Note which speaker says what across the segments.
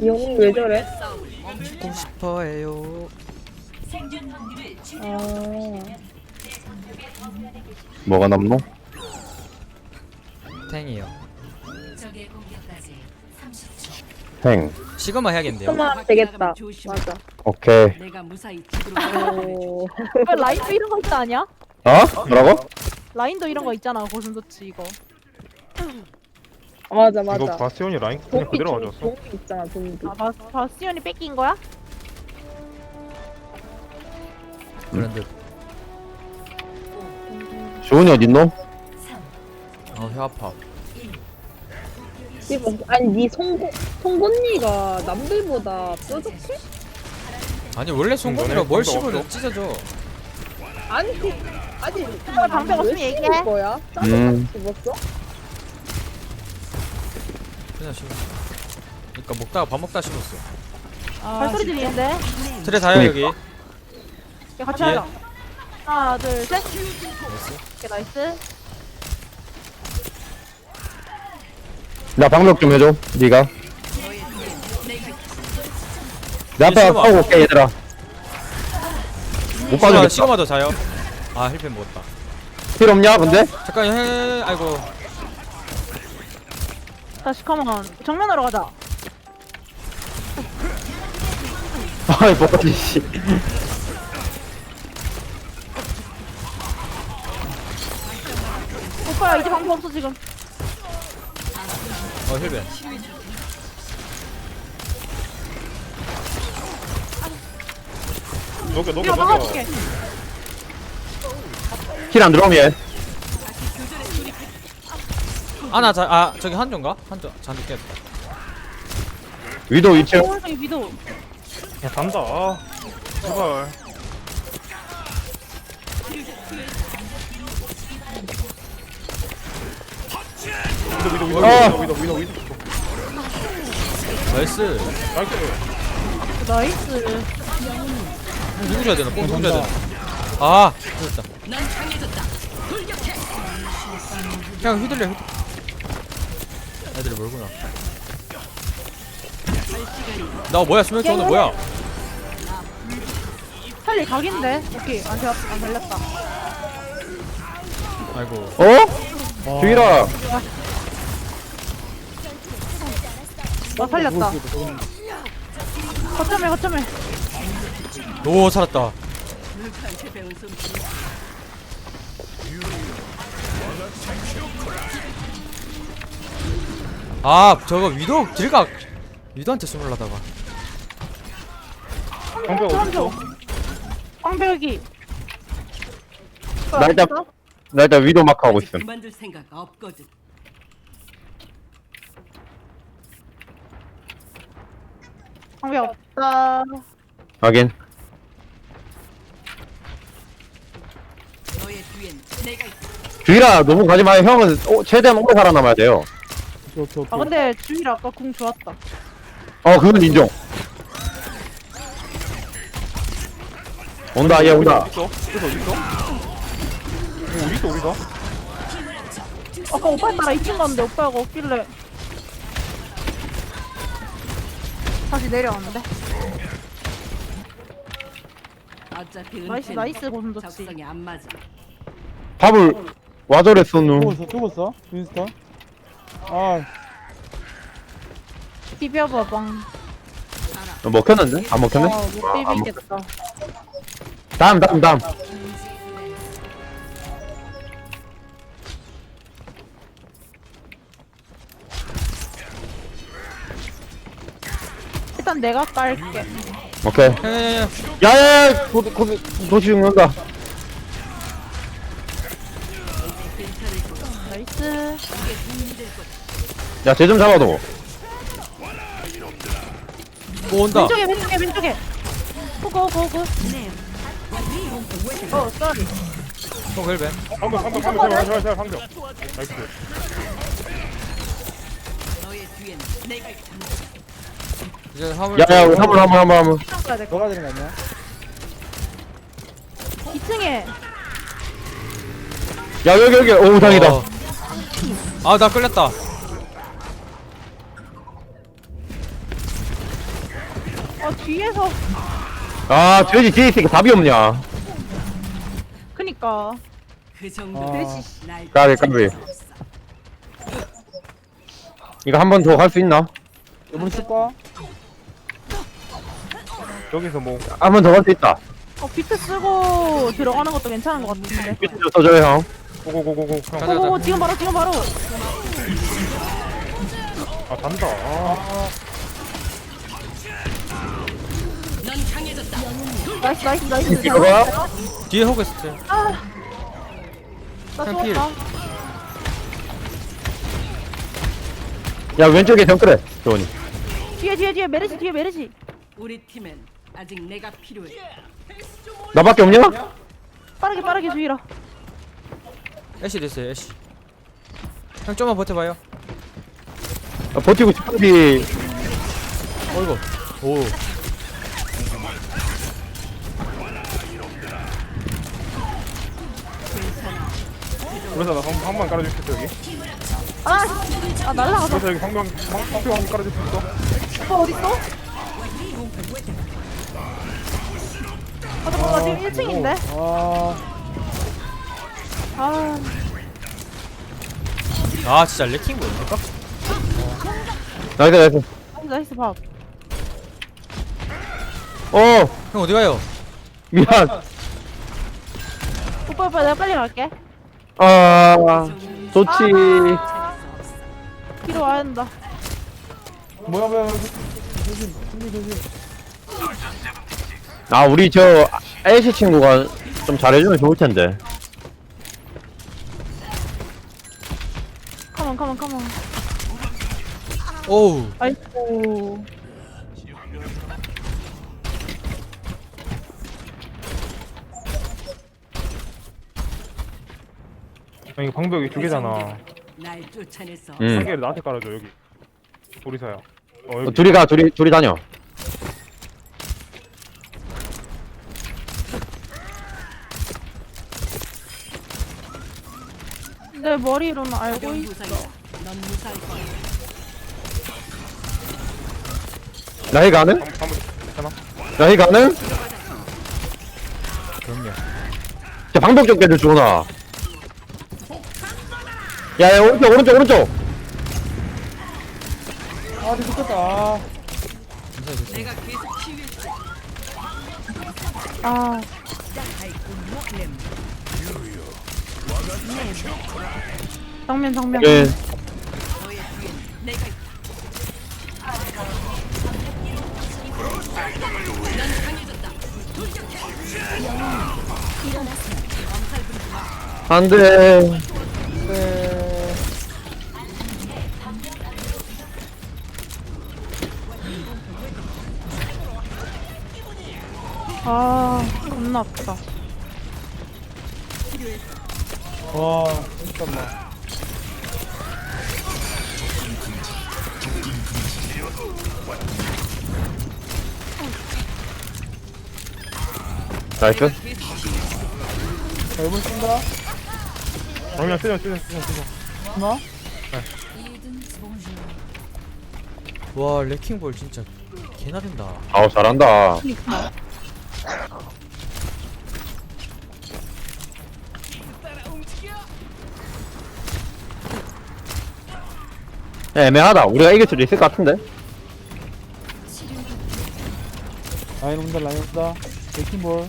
Speaker 1: 영 왜 저래?
Speaker 2: 죽고 싶어해요.
Speaker 1: 아,
Speaker 3: 뭐가 남노?
Speaker 2: 탱이요.
Speaker 3: 행.
Speaker 2: 시그마 해야겠는데요.
Speaker 1: 그만 되겠다. 맞아.
Speaker 3: 오케이.
Speaker 4: 내가 무사히 집으로
Speaker 1: 오,
Speaker 5: 왜 라인도 이런 거 있지 않냐?
Speaker 3: 어? 뭐라고?
Speaker 5: 라인도 이런 거 있잖아 고슴도치 이거.
Speaker 1: 맞아
Speaker 6: 이거
Speaker 1: 맞아.
Speaker 6: 바스티온이 라인 그냥 그대로 가져왔어.
Speaker 1: 동기 있잖아 동기.
Speaker 5: 아 바스티온이 뺏긴 거야?
Speaker 2: 브랜드.
Speaker 3: 주은이 어딨노?
Speaker 2: 혀 아파.
Speaker 1: 이거 아니 니 송곳니가 남들보다 뾰족해?
Speaker 2: 아니 원래 송곳니로 뭘
Speaker 6: 방법
Speaker 2: 씹어도
Speaker 6: 없어?
Speaker 2: 찢어져.
Speaker 1: 아니 아니
Speaker 5: 방법 없으면
Speaker 1: 왜
Speaker 5: 얘기해.
Speaker 1: 씹을 거야? 짜증 씹었어?
Speaker 2: 그냥 씹어. 그러니까 먹다가 밥 먹다 씹었어.
Speaker 5: 발소리 들리는데?
Speaker 2: 트레 다요 여기.
Speaker 5: 야, 같이
Speaker 2: 예.
Speaker 5: 하자. 하나 둘 셋. 오케이 나이스.
Speaker 3: 나 방벽 좀 해줘. 니가. 내 앞에
Speaker 2: 시그마.
Speaker 3: 싸우고 올게 얘들아. 못 봐주겠다.
Speaker 2: 시그마 더 자요. 아 힐펜 먹었다.
Speaker 3: 필 없냐 근데?
Speaker 2: 잠깐 아이고.
Speaker 5: 다시 컴온. 정면으로 가자.
Speaker 3: 아이 뭐지 씨.
Speaker 5: 오빠야 이제 방법 없어 지금.
Speaker 2: 힐펜.
Speaker 6: 녹여
Speaker 5: 이거
Speaker 6: 녹여 녹여.
Speaker 5: 막아줄게.
Speaker 3: 힐 안 들어오면 얘.
Speaker 2: 저기 한조인가? 한조 잔뜩 깼다.
Speaker 3: 위도 2층.
Speaker 5: 오른쪽에 위도.
Speaker 6: 야 간다. 아, 제발. 위도.
Speaker 2: 나이스.
Speaker 6: 나이스.
Speaker 5: 나이스.
Speaker 2: 누구 줘야 되나? 뽕 누구 줘야 되나? 아 됐다. 그냥 휘둘려. 애들이 멀구나. 나 뭐야 수면 오늘 뭐야?
Speaker 5: 살리 각인데. 오케이 안 걸렸다.
Speaker 2: 아이고.
Speaker 3: 어? 주일아.
Speaker 5: 나 살렸다. 거점에.
Speaker 2: 오 살았다. 아 저거 위도한테 숨으려다가.
Speaker 6: 방벽 어디 있어?
Speaker 5: 방벽이.
Speaker 3: 나 일단 위도 마크 하고 있음.
Speaker 4: 그만둘 생각 없거든.
Speaker 5: 방벽 없다.
Speaker 3: 확인.
Speaker 4: 너의 뒤엔 내가 있어.
Speaker 3: 주일아 너무 가지 마요. 형은 최대한 오래 살아남아야 돼요.
Speaker 5: 아 근데 주일 아까 궁 좋았다.
Speaker 3: 그건 인정. 온다 얘 온다.
Speaker 6: 있어? 그래서 어디 있어? 어디 있어 우리가?
Speaker 5: 아까 오빠 따라 2층 갔는데 오빠가 없길래 다시 내려왔는데.
Speaker 4: 어차피
Speaker 5: 나이스
Speaker 4: 은퇴는
Speaker 5: 나이스 고슴도치.
Speaker 4: 적성에 안 맞아.
Speaker 3: 밥을 와저랬어 누.
Speaker 7: 죽었어? 윈스턴? 아,
Speaker 5: 비벼봐방.
Speaker 3: 먹혔는데? 안 먹혔네?
Speaker 5: 못 비비겠다.
Speaker 3: 다음.
Speaker 5: 일단 내가 깔게.
Speaker 3: 오케이. 야야야 도시 죽는다.
Speaker 5: 나이스.
Speaker 3: 야 쟤 좀 잡아도.
Speaker 2: 오 온다.
Speaker 5: 왼쪽에. 호구. 쏘리.
Speaker 2: 뽕 힐펜.
Speaker 6: 방벽 제발 방벽. 나이스.
Speaker 4: 너의 뒤엔 내가 있어.
Speaker 2: 이제 화물.
Speaker 3: 야야 우리 한번
Speaker 5: 가야 될 거.
Speaker 7: 너가 되는 거 아니야?
Speaker 5: 2층에.
Speaker 3: 야 여기 오 우상이다.
Speaker 2: 아나 끌렸다.
Speaker 5: 뒤에서.
Speaker 3: 아 돼지 뒤에 있으니까 답이 없냐.
Speaker 5: 그니까.
Speaker 4: 그 정도.
Speaker 7: 아.
Speaker 4: 날
Speaker 3: 까비 까비. 이거 한 번 더 갈 수 있나?
Speaker 7: 이번 쓸까?
Speaker 6: 여기서 뭐
Speaker 3: 한 번 더 갈 수 있다.
Speaker 5: 비트 쓰고 들어가는 것도 괜찮은 것 같은데.
Speaker 3: 비트 좀 써줘요 형.
Speaker 6: 고고고고고
Speaker 2: 가자,
Speaker 6: 형.
Speaker 5: 오오오 지금 바로 지금 바로.
Speaker 6: 아 잔다. 아.
Speaker 5: 나이스 나이스 나이스.
Speaker 3: 이거야?
Speaker 2: 뒤에 호그 있었어요.
Speaker 5: 나
Speaker 2: 필.
Speaker 5: 죽었다.
Speaker 3: 야 왼쪽에 정크래 조원이.
Speaker 5: 뒤에 메르시 뒤에 메르시.
Speaker 4: 우리 팀엔 아직 내가 필요해.
Speaker 3: 나밖에 없냐?
Speaker 5: 빠르게 주의라.
Speaker 2: 애쉬 됐어요 애쉬. 형 좀만 버텨봐요.
Speaker 3: 아, 버티고 싶은데.
Speaker 2: 어이구. 오.
Speaker 6: 그래서 나한번 깔아줄 수 있어 여기.
Speaker 5: 아 날라가서.
Speaker 6: 그래서 여기 방표 한번 깔아줄 수 있어.
Speaker 5: 오빠 어딨어? 아 잠깐만 나 지금 1층인데. 아
Speaker 2: 아 진짜 레킹 뭐입니까?
Speaker 3: 나이스.
Speaker 5: 나이스 밥.
Speaker 2: 형 어디 가요?
Speaker 3: 미안.
Speaker 5: 오빠 내가 빨리 갈게.
Speaker 3: 아 좋지.
Speaker 5: 뒤로 와야 된다.
Speaker 7: 뭐야. 조심 조심.
Speaker 3: 아 우리 저 애쉬 친구가 좀 잘해주면 좋을 텐데.
Speaker 5: 컴온.
Speaker 2: 오우.
Speaker 5: 아이고.
Speaker 6: 이거 방벽이 두 개잖아.
Speaker 4: 날 쫓아내서
Speaker 6: 한
Speaker 3: 응.
Speaker 6: 개를 나한테 깔아줘 여기. 오리사야. 여기.
Speaker 3: 둘이 다녀.
Speaker 5: 내 머리로는 알고
Speaker 4: 가벼운
Speaker 5: 있어.
Speaker 4: 부상이다. 넌 무사할 거야.
Speaker 3: 나이 가능?
Speaker 6: 한번 괜찮아?
Speaker 3: 나이 가능?
Speaker 2: 그럼요.
Speaker 3: 자 방법 좀 깨줘 주원아. 야 오른쪽.
Speaker 7: 아 좋겠다.
Speaker 4: 내가 계속 치유했지.
Speaker 5: 아 정면.
Speaker 3: 네.
Speaker 4: 너의 뒤엔 내가 있다.
Speaker 3: 안돼.
Speaker 5: 아 겁나 아프다.
Speaker 7: 와 잠깐만.
Speaker 3: 나이스.
Speaker 7: 자 이번 쓴다.
Speaker 6: 그냥 쓰자.
Speaker 7: 하나.
Speaker 2: 와 레킹볼 진짜 개나린다.
Speaker 3: 아우 잘한다. 애매하다. 우리가 이길 수도 있을 것 같은데.
Speaker 7: 라인 온다. 레킹볼.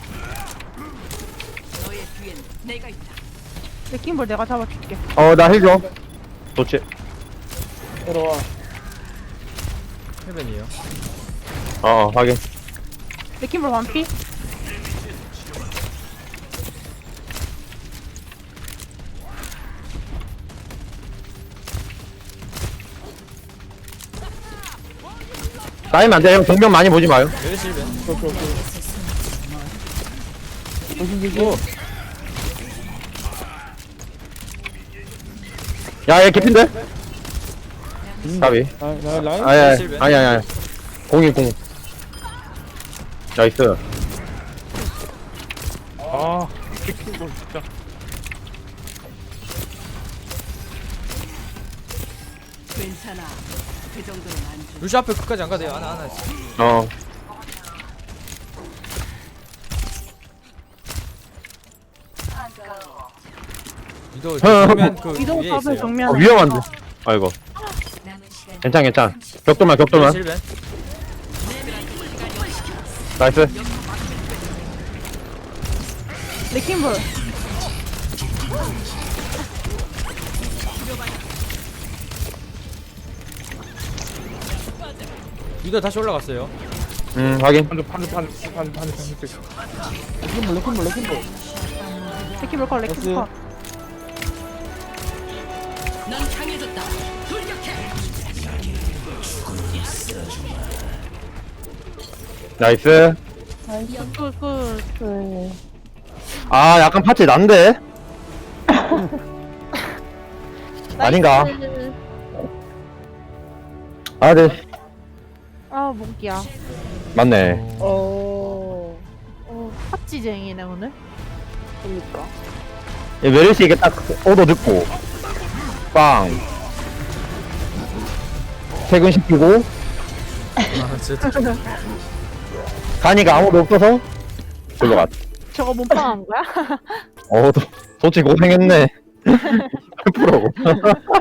Speaker 4: 너의 뒤엔 내가 있다.
Speaker 5: 레킹볼 내가 잡아줄게.
Speaker 3: 나 힐 줘. 좋지.
Speaker 7: 들어와.
Speaker 2: 해변이에요.
Speaker 3: 확인.
Speaker 5: 레킹볼 완피.
Speaker 3: 쌓이면 안 돼. 형 정면 많이 보지 마요.
Speaker 2: 메르시 힐변.
Speaker 7: 오케이. 조심.
Speaker 3: 야, 얘 개핀데? 가비.
Speaker 7: 나 라인.
Speaker 3: 아니. 공이. 나이스.
Speaker 6: 아 킥볼 진짜.
Speaker 4: 괜찮아. 그 정도는 안 돼.
Speaker 2: 루시 앞에 끝까지 안 가대요. 하나.
Speaker 3: 어.
Speaker 2: 위도 정면 그
Speaker 5: 위도
Speaker 2: 위에
Speaker 5: 탑을
Speaker 2: 있어요.
Speaker 5: 정면에.
Speaker 3: 위험한데. 아이고. 괜찮, 괜찮. 격돌만, 격돌만.
Speaker 2: 실벤.
Speaker 3: 나이스.
Speaker 5: 레킹볼.
Speaker 2: 위도 다시 올라갔어요.
Speaker 3: 확인.
Speaker 6: 반대.
Speaker 7: 레킹볼.
Speaker 5: 레킹볼 컷, 레킹볼 컷.
Speaker 4: 넌 강해졌다. 돌격해.
Speaker 3: 나이스.
Speaker 5: 굿.
Speaker 3: 아, 약간 파츠 난데? 아닌가? 아, 네.
Speaker 5: 아, 목이야.
Speaker 3: 맞네.
Speaker 5: 팥지쟁이네, 오늘.
Speaker 1: 그니까.
Speaker 3: 메르시 이게 딱 오도 듣고, 빵. 퇴근시키고,
Speaker 2: 아 진짜.
Speaker 3: 간이가 아무도 없어서, 저거 갔.
Speaker 5: 저거 몸빵한 거야?
Speaker 3: 솔직히 고생했네. 8%고.